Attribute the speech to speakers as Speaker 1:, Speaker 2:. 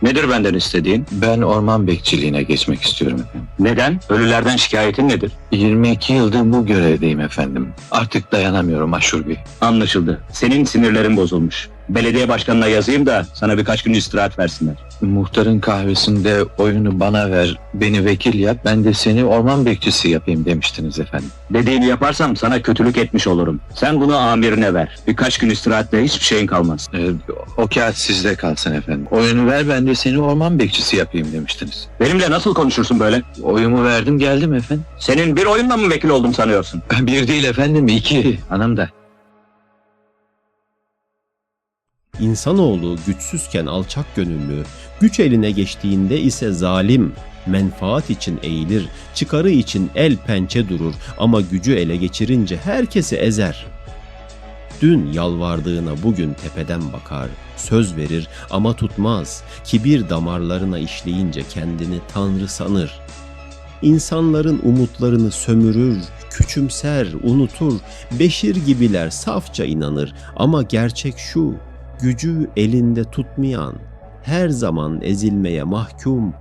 Speaker 1: Nedir benden istediğin?
Speaker 2: Ben orman bekçiliğine geçmek istiyorum efendim.
Speaker 1: Neden? Ölülerden şikayetin nedir?
Speaker 2: 22 yıldır bu görevdeyim efendim. Artık dayanamıyorum Aşur Bey.
Speaker 1: Anlaşıldı. Senin sinirlerin bozulmuş. Belediye başkanına yazayım da sana birkaç gün istirahat versinler.
Speaker 2: Muhtarın kahvesinde oyunu bana ver, beni vekil yap, ben de seni orman bekçisi yapayım demiştiniz efendim.
Speaker 1: Dediğini yaparsam sana kötülük etmiş olurum. Sen bunu amirine ver. Birkaç gün istirahatle hiçbir şeyin kalmaz.
Speaker 2: O kağıt sizde kalsın efendim. Oyunu ver, ben de seni orman bekçisi yapayım demiştiniz.
Speaker 1: Benimle nasıl konuşursun böyle?
Speaker 2: Oyumu verdim, geldim efendim.
Speaker 1: Senin bir oyunla mı vekil oldum sanıyorsun?
Speaker 2: Bir değil efendim, 2. Hanım da.
Speaker 3: İnsanoğlu güçsüzken alçak gönüllü, güç eline geçtiğinde ise zalim, menfaat için eğilir, çıkarı için el pençe durur ama gücü ele geçirince herkesi ezer. Dün yalvardığına bugün tepeden bakar, söz verir ama tutmaz, kibir damarlarına işleyince kendini tanrı sanır. İnsanların umutlarını sömürür, küçümser, unutur, Beşir gibiler safça inanır ama gerçek şu, gücü elinde tutmayan, her zaman ezilmeye mahkum,